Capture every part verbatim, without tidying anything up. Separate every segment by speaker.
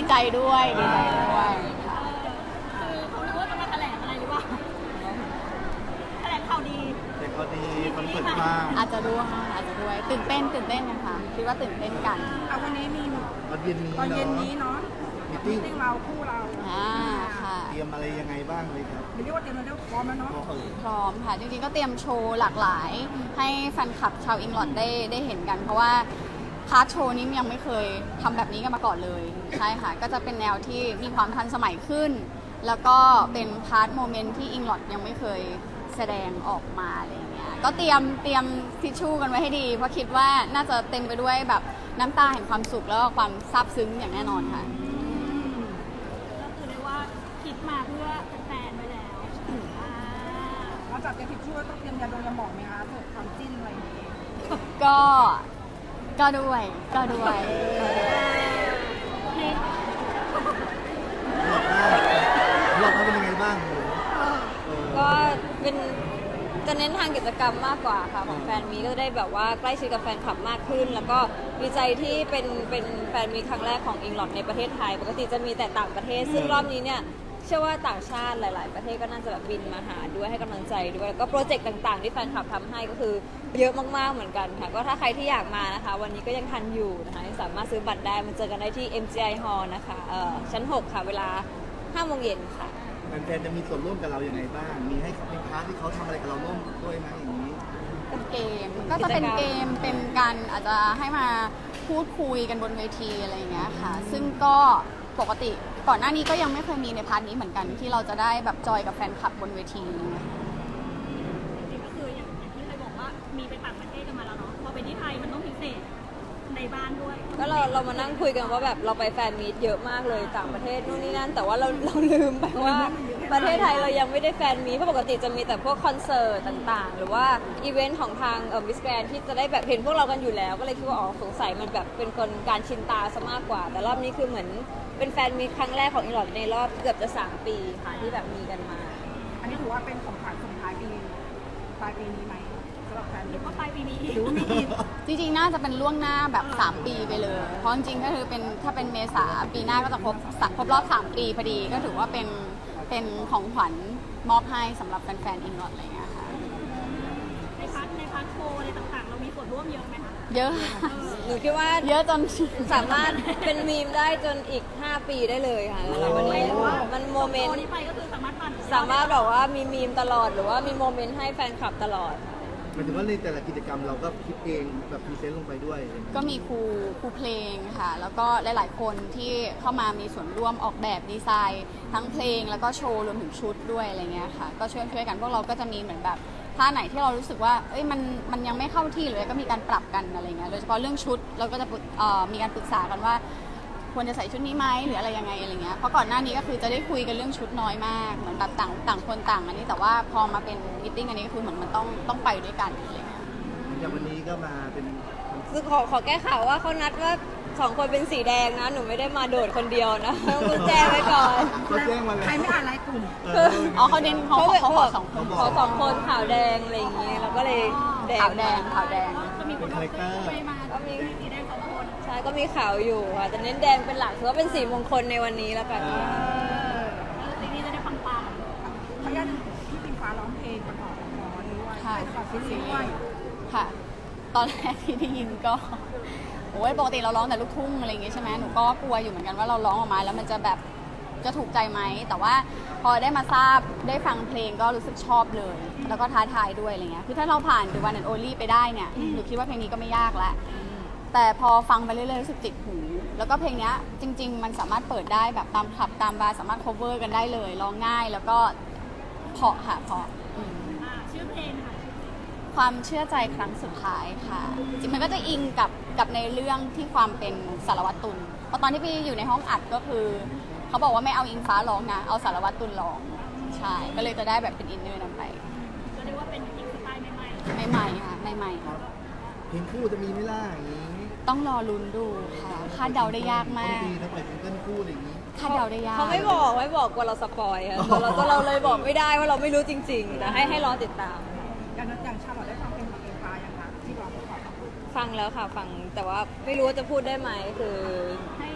Speaker 1: ใจด้วยดีใจด้วยค่ะ
Speaker 2: คือเขารู้ว่าจะมาแถลงอะไรหรือเปล่าแถลงข่าวดี
Speaker 3: แต่พอดีมันเปิดกว้าง
Speaker 1: อาจจะด้วยอาจจะด้วยตื่นเต้นตื่นเต้นนะคะคิดว่าตื่นเต้นกัน
Speaker 4: เอาวันนี้มี
Speaker 3: ตอนเย็นนี้
Speaker 4: ตอนเย็น
Speaker 3: เนาะ
Speaker 4: นี้เนาะ
Speaker 3: มีติ้ง
Speaker 4: ติ้งเราคู่เรา
Speaker 1: อ่าค่ะ
Speaker 3: เตรียมอะไรยังไงบ้างเลยครับ
Speaker 4: ไม่เรียกว่าเตรียมเราเรียกว่าพร้อมแล้วเนาะ
Speaker 3: พอเออ
Speaker 1: พร้อมค่ะจริงๆก็เตรียมโชว์หลากหลาย ให้แฟนคลับชาวอิงลอดได้ได้เห็นกัน เพราะว่าพาร์ทโชว์นี้ยังไม่เคยทำแบบนี้กันมาก่อนเลยใช่ค่ะก็จะเป็นแนวที่มีความทันสมัยขึ้น แล้วก็เป็นพาร์ทโมเมนต์ที่อิงลอดยังไม่เคยแสดงออกมาอะไรอย่างเงี้ยก็เตรียมเตรียมทิชชู่กันไว้ให้ดี เพราะคิดว่าน่าจะเต็มไปด้วยแบบน้ำตาแห่งความสุขแล้วก็ความซาบซึ้งอย่างแน่นอนค่ะ
Speaker 2: ก็คือเรียกว่าคิดมาเพื่อแฟนๆไว้แล้วอ่า
Speaker 4: เราจับเตรียมทิชชู่ต้องเตรียมยาดมยาหมองไหมคะเผื่อความจิ้นอะไรอย่างเงี้ย
Speaker 1: ก็ก็ด้วยก็ด้วยก็ด้วย
Speaker 2: เพลง
Speaker 3: รอบหน้ารอบหน้าเป็นยังไงบ้างหนูเออ
Speaker 5: ก็เป็นจะเน้นทางกิจกรรมมากกว่าค่ะของแฟนมีก็ได้แบบว่าใกล้ชิดกับแฟนคลับมากขึ้น แล้วก็ดีใจที่เป็นเป็นแฟนมีครั้งแรกของอิงลอดในประเทศไทย ปกติจะมีแต่ต่างประเทศ ซึ่งรอบนี้เนี่ยเชื่อว่าต่างชาติหลาย ๆ ประเทศก็น่าจะแบบบินมาหาด้วยให้กำลังใจด้วยแล้วก็โปรเจกต์ต่าง ๆ ที่แฟนคลับทำให้ก็คือเยอะมาก ๆ เหมือนกันค่ะก็ถ้าใครที่อยากมานะคะ วันนี้ก็ยังทันอยู่นะคะยังสามารถซื้อบัตรได้มาเจอกันได้ที่ เอ็ม จี ไอ Hall นะคะเอ่อชั้นหกค่ะเวลาห้าโมงเย็นค่ะ
Speaker 3: แฟนๆจะมีส่วนร่วมกับเราอย่างไรบ้าง มีให้มีพาร์ทที่เขาทำอะไรกับเราร่วมด้วยไหมอย่างนี้
Speaker 1: เป็นเกมก็จะเป็นเกมเป็นการอาจจะให้มาพูดคุยกันบนเวทีอะไรอย่างเงี้ยค่ะ ซึ่งก็ปกติก่อนหน้านี้ก็ยังไม่เคยมีในพาร์ทนี้เหมือนกันที่เราจะได้แบบจอยกับแฟนคลับบนเวทีอะไรเงี้ย
Speaker 2: จริงๆก็คืออย่างอย่างที่เคยบอกว่ามีไปต่างประเทศกันมาแล้วเนาะพอไปที่ไทยมันต้องพิเศษในบ้านด้วย
Speaker 5: ก็เราเรามานั่งคุยกันว่าแบบเราไปแฟนมีตเยอะมากเลยต่างประเทศนู่นนี่นั่นแต่ว่าเราเราลืมไปว่าประเทศไทยเรายังไม่ได้แฟนมีตเพราะปกติจะมีแต่พวกคอนเสิร์ตต่างๆ หรือว่าอีเวนต์ของทางเอ่อมิสแกรนที่จะได้แบบเห็นพวกเรากันอยู่แล้ว ก็เลยคิดว่าอ๋อสงสัยมันแบบเป็นคนการชินตาซะมากกว่า แต่รอบนี้คือเหมือนเป็นแฟนมีตครั้งแรกของอีหลอดในรอบเกือบจะสามปีค่ะที่แบบมีกันมา
Speaker 4: อันนี้ถือว่าเป็นของขวัญส่งท้ายปีปลายปีนี้ไหมสำหรับแฟน
Speaker 2: หรือว่าปลายปีนี้
Speaker 4: หรือว่ามีอีก
Speaker 1: จริงๆ น่าจะเป็นล่วงหน้าแบบ สาม ปีไปเลย เพราะจริงๆ ก็คือเป็นถ้าเป็นเมษาปีหน้าก็จะครบครบรอบ สาม ปีพอดี ก็ถือว่าเป็นเป็นของขวัญมอบให้สำหรับแฟนๆ อิงลอดอะไรเงี้ยค่ะ
Speaker 2: ในพาร์ทในพาร์ทโชว์อะไรต่างๆ เรามีส่วนร่วมเยอะไหมคะ
Speaker 1: เยอะ
Speaker 5: หนูคิดว่า
Speaker 1: เยอะจน
Speaker 5: สามารถเป็นมีมได้จนอีก ห้า ปีได้เลยค่ะสำหรับวันนี้มันโมเมน
Speaker 2: โช
Speaker 5: ต์
Speaker 2: ว์นี้ไปก็คือสามารถปั่น
Speaker 5: สามารถแบบว่ามีมีมตลอดหรือว่ามีโมเมนต์ให้แฟนคลับตลอด
Speaker 3: หมายถึงว่าในแต่ละกิจกรรมเราก็คิดเองแบบพรีเซนต์ลงไปด้วย
Speaker 1: ก็มีครูครูเพลงค่ะ แล้วก็หลาย ๆ คนที่เข้ามามีส่วนร่วมออกแบบดีไซน์ ทั้งเพลงแล้วก็โชว์รวมถึงชุดด้วยอะไรเงี้ยค่ะ ก็ช่วยช่วยกันพวกเราก็จะมีเหมือนแบบท่าไหนที่เรารู้สึกว่าเอ้ยมันมันยังไม่เข้าที่เลยก็มีการปรับกันอะไรเงี้ยโดยเฉพาะเรื่องชุดเราก็จะปรึกเอ่อมีการปรึกษากันว่า ควรจะใส่ชุดนี้ไหมหรืออะไรยังไงอะไรเงี้ยเพราะก่อนหน้านี้ก็คือจะได้คุยกันเรื่องชุดน้อยมากเหมือนแบบต่างต่างคนต่างอันนี้แต่ว่าพอมาเป็นมิทติ้งอันนี้ก็คือเหมือนมันต้องต้องไปด้วยกันอะไรเงี้ย
Speaker 3: อย่างวันนี้ก็มาเป็น
Speaker 5: คือขอขอแก้ข่าวว่าเขานัดว่าสองคนเป็นสีแดงนะ หนูไม่ได้มาโดดคนเดียวนะต้องคุณแจ้งไว้ก่อน
Speaker 3: เขาแจ้งมาแล้ว
Speaker 4: ใครไม่อ่านไลน์กลุ่ม
Speaker 3: เออ
Speaker 1: อ๋อเขาเน้นเขาเขาขอสองคน
Speaker 5: ขอสองคนขาวแดงอะไรอย่างงี้แล้วก็เลยแดง
Speaker 1: ขาวแดงขาวแดง
Speaker 2: จะมีคน
Speaker 3: เป็นคาแรคเตอร์
Speaker 2: ไปมาก็มีสีแดงสองคน
Speaker 5: ใช่ก็มีขาวอยู่ค่ะแต่เน้นแดงเป็นหลักถือว่าเป็นสีมงคลในวันนี้แล้วกัน
Speaker 2: แล้วสีนี้จะได้ปัง
Speaker 4: ขออนุญาตพี่ปิงฟ้าร้องเพลงประกอบละครด้วย
Speaker 1: ค่ะ
Speaker 4: ประกอบซีรีส์ด้วย
Speaker 1: ค่ะ ตอนแรกที่ได้ยินก็โอ้ยปกติเราร้องแต่ลูกทุ่งอะไรอย่างเงี้ยใช่ไหมหนูก็กลัวอยู่เหมือนกันว่าเราร้องออกมาแล้วมันจะแบบจะถูกใจไหมแต่ว่าพอได้มาทราบได้ฟังเพลงก็รู้สึกชอบเลย แล้วก็ท้าทายด้วยอะไรเงี้ยคือถ้าเราผ่านดูวันแอนโอลี่ไปได้เนี่ยหนูคิดว่าเพลงนี้ก็ไม่ยากแล้วแต่พอฟังไปเรื่อยๆรู้สึกติดหู แล้วก็เพลงเนี้ยจริง ๆ มันสามารถเปิดได้แบบตามคลับตามบาร์สามารถ cover กันได้เลยร้องง่ายแล้วก็เพราะค่ะเพราะอืม
Speaker 2: ๆอ่าชื่อเพลงค่ะ
Speaker 1: ความเชื่อใจครั้งสุดท้ายค่ะจริงๆมันก็จะอิงกับกับในเรื่องที่ความเป็นสารวัตรตุลเพราะตอนที่พี่อยู่ในห้องอัดก็คือเขาบอกว่าไม่เอาอิงฟ้าร้องนะเอาสารวัตรตุลร้องใช่ก็เลยจะได้แบบเป็นอินเนอร์นั้นไป
Speaker 2: ก็เรียกว่าเป็นอีกสไตล์ใหม่
Speaker 1: ใหม่ๆค่ะใหม่ๆค่ะ
Speaker 3: เพลงคู่จะมีไหม่ล่ะอย่างนี้
Speaker 1: ต้องรอลุ้นดูค่ะคาดเดาได้ยากมา
Speaker 3: ต้อง
Speaker 1: ก
Speaker 3: ดีนะปล่อยซิงเกิลคู่อะไรอย่างนี้
Speaker 1: คาดเดาได้ยาก
Speaker 5: เขาไม่บอกไม่บอกกลัวเราสปอยค่ะเราเราเราเลยบอกไม่ได้ว่าเราไม่รู้จริงๆแต่ให้ให้รอติดตาม
Speaker 4: อย่างนั้นอย่างชาลอตได้ฟังเพลงของปิงฟ้ายังคะที่ร้องประกอบละคร
Speaker 5: ฟังแล้วค่ะฟังแต่ว่าไม่รู้ว่าจะพูดได้ไหมคือ
Speaker 2: ๆให้ให้
Speaker 5: ค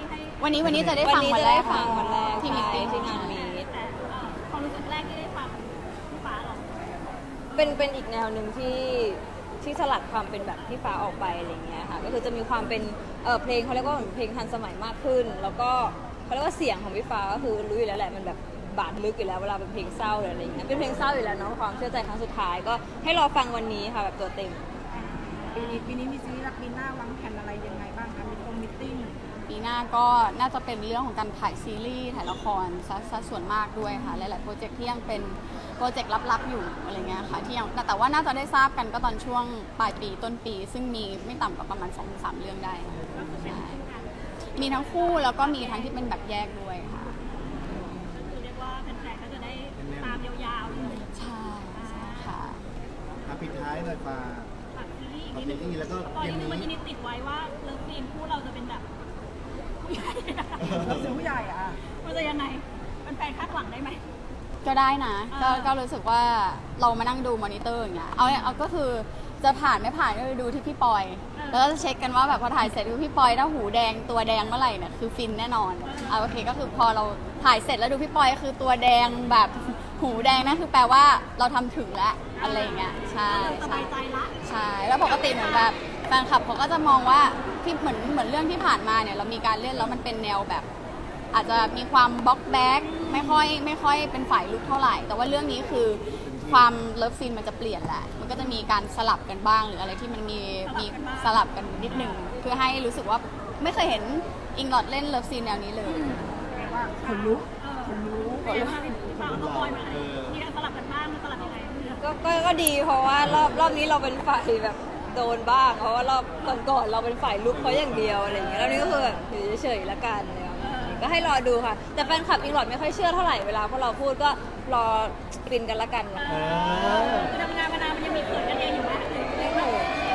Speaker 1: วันนี้วันนี้จะได้
Speaker 5: วัน
Speaker 1: ฟัง
Speaker 5: นี้
Speaker 1: วัน
Speaker 5: จะ
Speaker 1: แร
Speaker 5: ได้
Speaker 1: ก
Speaker 5: ฟังวันแรก
Speaker 1: ที่มี
Speaker 5: ใช่
Speaker 1: ติ้ง
Speaker 5: ที่งานมีต
Speaker 2: แต่เอ่อความรู้สึกแรกที่ได้ฟังพี่ฟ้าหรอ
Speaker 5: เป็นเป็นอีกแนวหนึ่งที่ที่สลัดความเป็นแบบพี่ฟ้าออกไปอะไรเงี้ยค่ะก็คือจะมีความเป็นเออเพลงเขาเรียกว่าเหมือนเพลงทันสมัยมากขึ้น แล้วก็เขาเรียกว่าเสียงของพี่ฟ้าก็คือรู้อยู่แล้วแหละมันแบบบาดลึกอยู่แล้วเวลาเป็นเพลงเศร้าหรืออะไรเงี้ยเป็นเพลงเศร้าอยู่แล้วเนาะความเชื่อใจครั้งสุดท้ายก็ให้รอฟังวันนี้ค่ะแบบตัวเต็ม
Speaker 4: ปีนี้ปีนี้มีซีรีส์รักปีหน้าวางแผนอะไรยังไงบ้างคะมีคอมมิตติ้ง
Speaker 1: ปีหน้าก็น่าจะเป็นเรื่องของการถ่ายซีรีส์ถ่ายละครซะซะส่วนมากด้วยค่ะหลายๆโปรเจกต์ที่ยังเป็นโปรเจกต์ลับๆอยู่อะไรเงี้ยค่ะที่ยังแต่ว่าน่าจะได้ทราบกันก็ตอนช่วงปลายปีต้นปี ซึ่งมีไม่ต่ำกว่าประมาณ สองถึงสาม เรื่องได้ใช่มีทั้งคู่แล้วก็มีทั้งที่เป็นแบบแยกด้วยค่ะ
Speaker 2: คือเรียกว่าแฟนๆก็จะได้ตามยาวๆเลย
Speaker 1: ใช่ใช่ค่ะ
Speaker 3: อ่ะปิดท้ายหน่อยฟ้า
Speaker 2: ฝากซีรีส์อีก
Speaker 3: ฝาก
Speaker 2: นิด
Speaker 3: ซี
Speaker 2: นึง
Speaker 3: รีส์แล้วก็
Speaker 2: ตอน
Speaker 3: เย็น
Speaker 2: นี้มันจะ
Speaker 3: นี้
Speaker 2: มีติดไว้ว่าเลิฟซีนคู่เราจะเป็นแบบผู้ใหญ่
Speaker 4: เราซื้อผู้ใหญ่อะ
Speaker 2: มันจะยังไงแฟนๆคาดหวังได้ไหม
Speaker 1: ก็ได้นะก็
Speaker 2: อ่า
Speaker 1: ก็รู้สึกว่าเรามานั่งดูมอนิเตอร์อย่างเงี้ยเอาเอาก็คือจะผ่านไม่ผ่านก็ไปดูที่พี่ปอย แล้วก็จะเช็คกันว่าแบบพอถ่ายเสร็จดูพี่ปอยถ้าหูแดงตัวแดงเมื่อไหร่เนี่ยคือฟินแน่นอนเอาโอเคก็คือพอเราถ่ายเสร็จแล้วดูพี่ปอยคือตัวแดงแบบหูแดงนั่นคือแปลว่าเราทำถึงแล้วอะไรอย่างเงี้ยใช่
Speaker 2: ส
Speaker 1: ใช่
Speaker 2: บายใจละ
Speaker 1: ใช่แล้วปกติเหมือนแบบแฟนคลับเขาก็จะมองว่าที่เหมือนเหมือนเรื่องที่ผ่านมาเนี่ยเรามีการเล่นแล้วมันเป็นแนวแบบ อาจจะมีความบล็อกแบ็กไม่ค่อยไม่ค่อยเป็นฝ่ายลุกเท่าไหร่ แต่ว่าเรื่องนี้คือความเลิฟซีนมันจะเปลี่ยนแหละ มันก็จะมีการสลับกันบ้างหรืออะไรที่มันมีมีสลับกันนิดหนึ่งเพื่อให้รู้สึกว่าไม่เคยเห็นอิงลอดเล่นเลิฟซีนแนวนี้เลย
Speaker 4: เรียกว่าขนลุก
Speaker 2: เออ
Speaker 4: ขนลุก
Speaker 2: เป็นยังไงบ้างพี่ฟ้าเขาปล่อยมามีการสลับกันบ้างมันสลับยังไง
Speaker 5: ก็ก็ก็ดีเพราะว่ารอบรอบนี้เราเป็นฝ่ายแบบโดนบ้าง เพราะว่ารอบก่อนๆเราเป็นฝ่ายลุกเขาอย่างเดียวอะไรอย่างเงี้ยรอบนี้ก็คือแบบอยู่เฉยๆละกันอะไรแบบนี้ก็ให้รอดูค่ะ แต่แฟนคลับอิงหลอดไม่ค่อยเชื่อเท่าไหร่เวลาพวกเราพูดก็รอฟินกันละกัน
Speaker 3: เออ
Speaker 2: คือทำงานมานานมันยังมีเขินกันเองอยู่ไหม
Speaker 5: ไม่หนู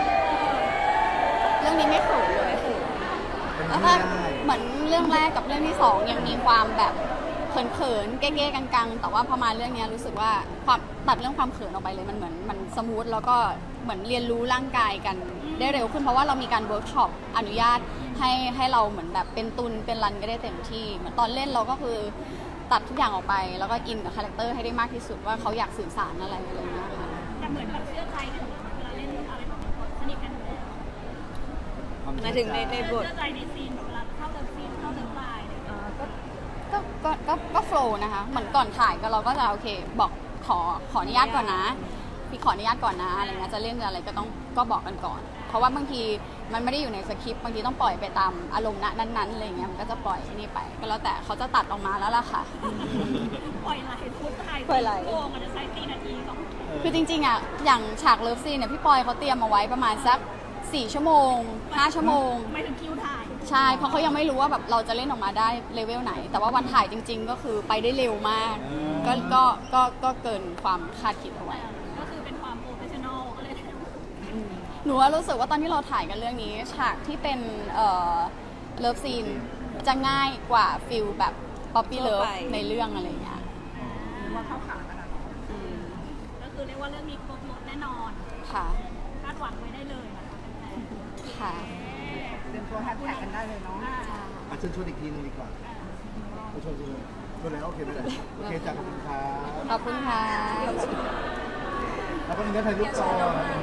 Speaker 1: เรื่องนี้ไม่เขินเลย
Speaker 3: เป็น
Speaker 1: แล้ว
Speaker 3: ไม่
Speaker 1: ก็
Speaker 3: ได้
Speaker 1: เหมือนเรื่องแรกกับเรื่องที่สองยังมีความแบบเขินๆเก้ๆกังๆ แต่ว่าพอมาเรื่องนี้รู้สึกว่าความตัดเรื่องความเขินออกไปเลยมันเหมือนมันสมูทแล้วก็เหมือนเรียนรู้ร่างกายกันได้เร็วขึ้นเพราะว่าเรามีการเวิร์กช็อปอนุญาตให้ให้เราเหมือนแบบเป็นตุนเป็นรันก็ได้เต็มที่เหมือนตอนเล่นเราก็คือตัดทุกอย่างออกไป แล้วก็อินกับคาแรคเตอร์ให้ได้มากที่สุดว่าเขาอยากสื่อสารอะไรอะไรอย่างเงี้ยค่ะ
Speaker 2: แต่เหมือนแบบเชื่อใจกันอยู่เวลาเล่นอะไรแบบนี้สนิทกันอยู่แล้ว
Speaker 5: หมายถึงในในบท
Speaker 2: เชื่อใจในซีนแบบเวลาเข้าเดินซีนเข้าเดินลายเนี่ย
Speaker 1: ก็ก็ก็ก็ก็โฟล์นะคะ เหมือนก่อนถ่ายก็เราก็จะโอเค บอกขอขออนุญาตก่อนนะ พี่ขออนุญาตก่อนนะอะไรเงี้ยจะเล่นอะไรก็ต้องก็บอกกันก่อน เพราะว่าบางทีมันไม่ได้อยู่ในสคริปต์บางทีต้องปล่อยไปตามอารมณ์ณนั้นๆอะไรเงี้ยมันก็จะปล่อยนี่ไป ก็แล้วแต่เขาจะตัดออกมาแล้วล่ะค่ะ
Speaker 2: ปล่อยไหลพูดไทย
Speaker 5: ปล่อยไหล
Speaker 2: โกงมันจะใช้สี่นาทีสอง
Speaker 1: คือจริงๆอ่ะอย่างฉากเลิฟซีนเนี่ยพี่ปอยเขาเตรียมเอาไว้ประมาณสักสี่ชั่วโมงห้าชั่วโมง
Speaker 2: ไม่ถึงคิวถ่าย
Speaker 1: ใช่ เพราะเขายังไม่รู้ว่าแบบเราจะเล่นออกมาได้เลเวลไหน แต่ว่าวันถ่ายจริง ๆ ก็คือไปได้เร็วมาก ก็ก็ก็ก็เกินความคาดคิดเอาไว้
Speaker 2: ก็คือเป็นความโปรเฟชชั่นอลก็เลย
Speaker 1: หนูว่ารู้สึกว่าตอนที่เราถ่ายกันเรื่องนี้ ฉากที่เป็นเอ่อเลิฟซีนจะง่ายกว่าฟิลแบบป๊อปปี้เลิฟในเรื่องอะไรอย่างเงี้ย
Speaker 4: หรือว่าเข้าขากันอะ
Speaker 1: อืม
Speaker 2: ก็คือเรียกว่าเรื่องนี้ครบรถแน่นอน
Speaker 1: ค่ะ
Speaker 2: คาดหวังไว้ได้เลยนะคะแฟน
Speaker 1: ค่ะ
Speaker 4: เตรียมตัวแฮชแท็กกันได้เลยเนาะ
Speaker 3: อ่ะเชิญชวนอีกทีหนึงดีกว่าชวนชวนชวนแล้วโอเคไหมโอเคจากขอบคุณครับ
Speaker 1: ขอบคุณค่ะ
Speaker 3: แล้วก็มีเงินถ่ายรูปต่อ